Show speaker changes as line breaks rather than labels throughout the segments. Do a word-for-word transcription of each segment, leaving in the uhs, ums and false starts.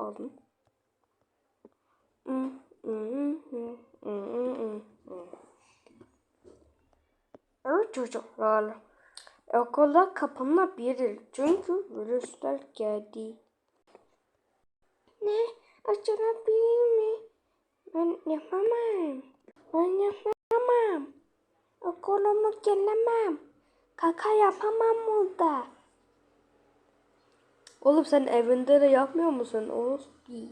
aldım. Evet çocuklar. Okullar kapanabilir çünkü virüsler geldi. Ne? Açılabilir mi? Ben yapamam. Ben yapamam. Okulumu gelemem. Kaka yapamam burada. Oğlum sen evinde de yapmıyor musun? Oğlum.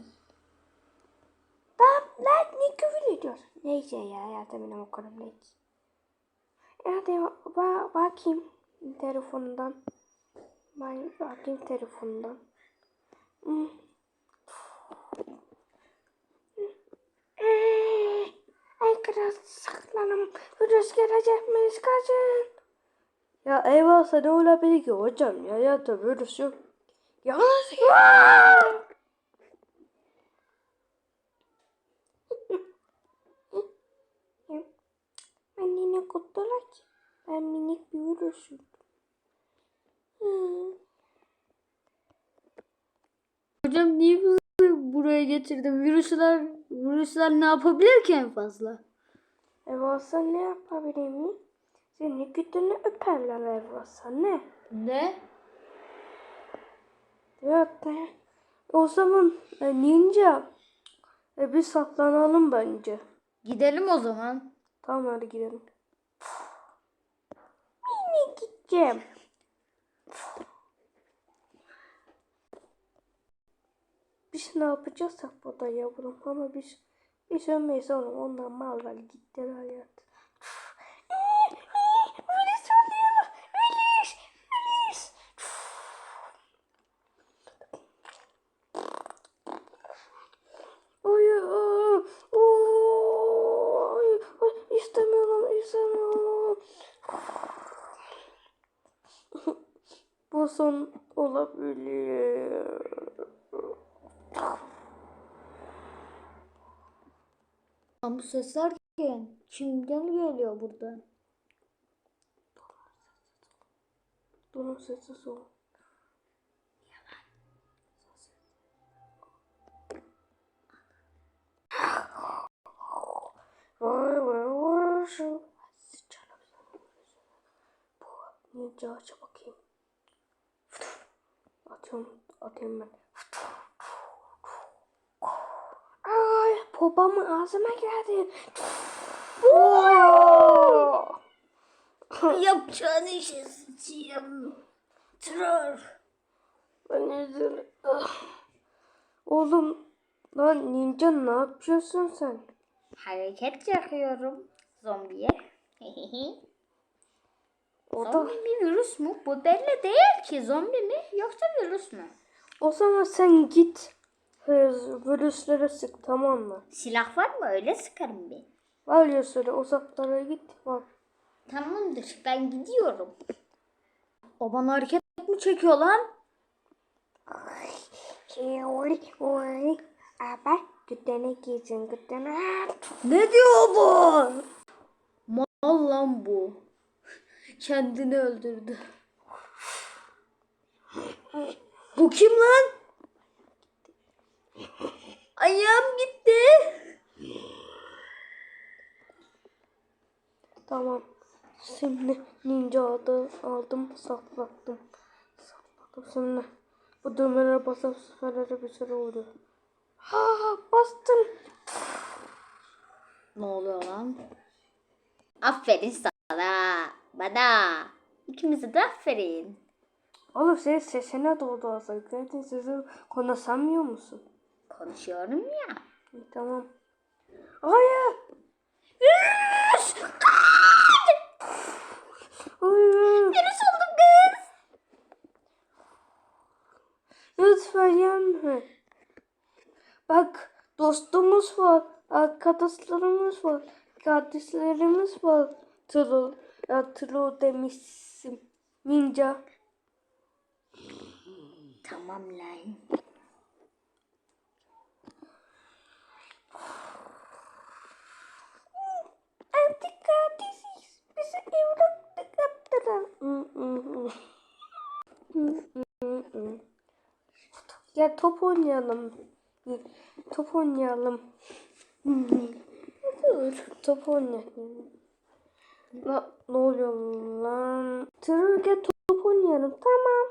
Tamam lan ne küfür ediyorsun? Neyse ya ya benim okulum neyse. Hadi ba bakayım telefondan. Ben bakayım telefondan. Hmm. Ay kral saklanım. Virüs gelecek miyiz kaçın? Ya eyvah ne olabilir ki hocam ya ya da virüs yok. Ya nasıl ya? Ben yine kurtulak. Ben minik bir virüsüm. Hmm.
Hocam niye bizi buraya getirdin? Virüsler, virüsler ne yapabilir ki en fazla?
Evasa ne yapabilir mi? Seni gütünü öperler Evasa ne?
Ne?
Evet ne? O zaman e, ninja. E, bir saklanalım bence.
Gidelim o zaman.
Tamam hadi gidelim. Yine gideceğim. Biz ne yapacaksak burada yavrum ama biz biz ölmeyiz oğlum. Onlar mal var gittiler hayat. Polis oluyor. Polis. Polis. Oy, oy, oy, oy, istemiyorum, istemiyorum. Bu son olabilir.
Bu sesler kim? Kimden geliyor burada?
Bunun sesi son. Vay vay vay şu. Bu ninja aç bakayım. Atıyorum, atıyorum ben. Ay, popamın ağzıma geldi.
Yapacağın işe sıçayım. Troll.
Ben üzüldüm. Oğlum, lan ninja ne yapıyorsun sen?
Hareket yapıyorum zombiye.
O da,
Zombi bir virüs mü? Bu belli değil ki, zombi mi yoksa virüs mü?
o zaman sen git. Virüslere sık tamam mı?
Silah var mı? Öyle sıkarım bir.
Var ya söyle uzaklara git bak.
Tamamdır, ben gidiyorum. O bana hareket mi çekiyor lan?
Oy oy. Abi gütene giysin gütene.
Ne diyor bu? Mal lan bu. Kendini öldürdü. Bu kim lan? Ayağım gitti.
Tamam. Şimdi ninja adı aldım saklattım. Sakladım şimdi. Bu düğmelere basıp seferlere bir süre oluyor. Ha bastım.
Ne oluyor lan? Aferin sana. Bana. İkimize de aferin.
Oğlum senin sesine doğdu aslında. Senin sesi konuşamıyor musun?
Konuşuyorum ya.
İyi, tamam. Hayır.
Virüs! Kaç!
Hayır.
Virüs oldum kız.
Lütfen yenme. Bak dostumuz var. Arkadaşlarımız var. Kardeşlerimiz var. Tro. Ya tro demişsin. Ninja.
Tamam lan.
Artık kardeşiz. Bizi evlatlık yaptılar. Gel top oynayalım. Top oynayalım. Dur. Top oynayalım. La, ne oluyor lan? Tırır gel top oynayalım. Tamam.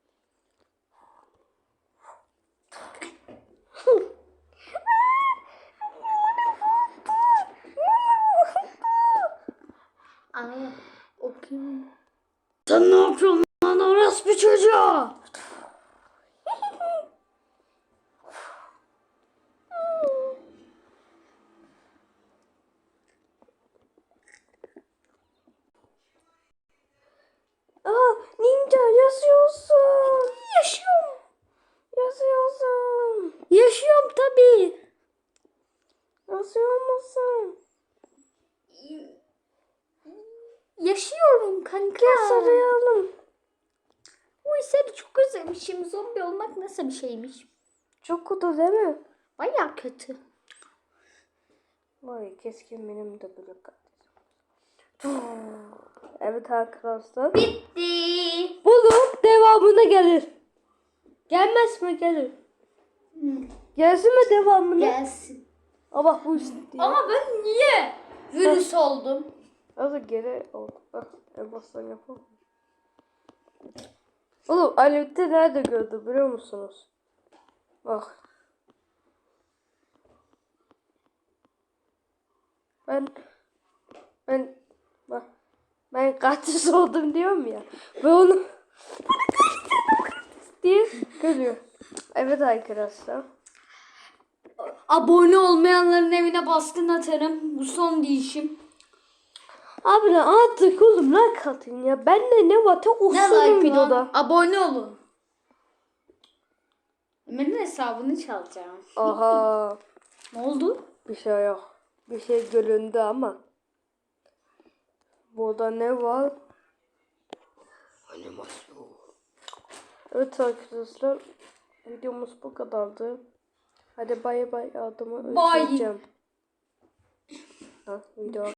Aa, o kim? Sen ne yapıyorsun lan orospu çocuğu?
Aa, ninja yazıyorsun. Yaşıyorum. Yazıyorsun.
Yaşıyorum tabii.
Yazıyor musun?
Yaşıyorum kanka.
Gel sarayalım.
Uy seni çok özlemişim. Zombi olmak nasıl bir şeymiş?
Çok kötü değil mi?
Baya kötü.
Vay keşke benim de böyle kardeşim. Evet arkadaşlar.
Bitti.
Bunun devamına gelir. Gelmez mi gelir? Gelsin mi devamına?
Gelsin.
Aa bak bu işte diyor.
Ama ben niye virüs oldum?
Nasıl geri oldu? Bak en baştan yapalım. Oğlum Alev'de nerede gördü biliyor musunuz? Bak. Ben ben bak ben katil oldum diyorum ya. Ve onu diye görüyor. Evet arkadaşlar.
Abone olmayanların evine baskın atarım. Bu son değişim.
Abi lan artık oğlum like atın ya. Bende ne var? Tek
Ne
usulüm
like
videoda.
lan? Abone olun. Ömer'in hesabını çalacağım.
Aha.
Ne oldu?
Bir şey yok. Bir şey göründü ama. Burada ne var? Animasyon. Evet arkadaşlar. Videomuz bu kadardı. Hadi bay bay adımı
Bye.
özleyeceğim. Ha, video.